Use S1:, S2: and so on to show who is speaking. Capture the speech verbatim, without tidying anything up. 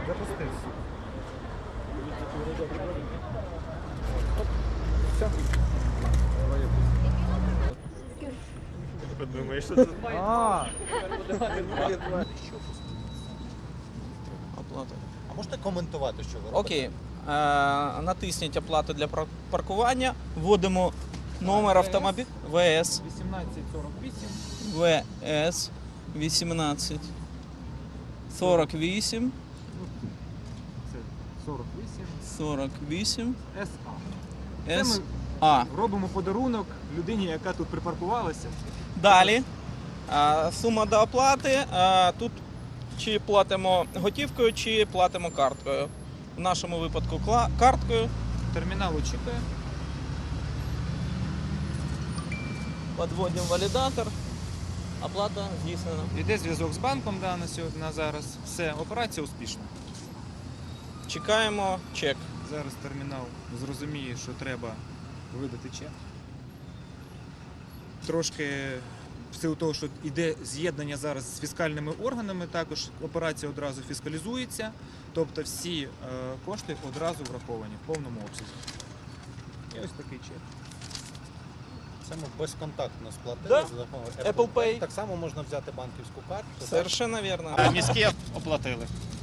S1: Запустився.
S2: Подумаєш, що це?
S1: А,
S3: Оплата.
S4: А можете коментувати, що ви робите?
S3: Окей. Е, натисніть оплату для пар- паркування. Вводимо номер автомобіля ВС.
S1: вісімнадцять сорок вісім.
S3: ВС вісімнадцять сорок вісім
S1: Це сорок вісім.
S3: сорок вісім
S1: ес а.
S3: С
S1: ми-
S3: А.
S1: Робимо подарунок людині, яка тут припаркувалася.
S3: Далі. е, Сума до оплати. Е, Тут чи платимо готівкою, чи платимо карткою. В нашому випадку кла- карткою.
S1: Термінал очікує.
S3: Подводимо валідатор. Оплата здійснена.
S1: Йде зв'язок з банком да, на сьогодні, на зараз. Все, операція успішна.
S3: Чекаємо чек.
S1: Зараз термінал зрозуміє, що треба видати чек. Трошки в силу того, що йде з'єднання зараз з фіскальними органами, також операція одразу фіскалізується, тобто всі е, кошти одразу враховані в повному обсязі. І ось такий чек.
S4: Це ми безконтактно сплатили
S3: Да.
S4: за допомогою
S3: Apple Pay.
S4: Так само можна взяти банківську карту. так?
S3: Совершенно вірно.
S2: Міські оплатили.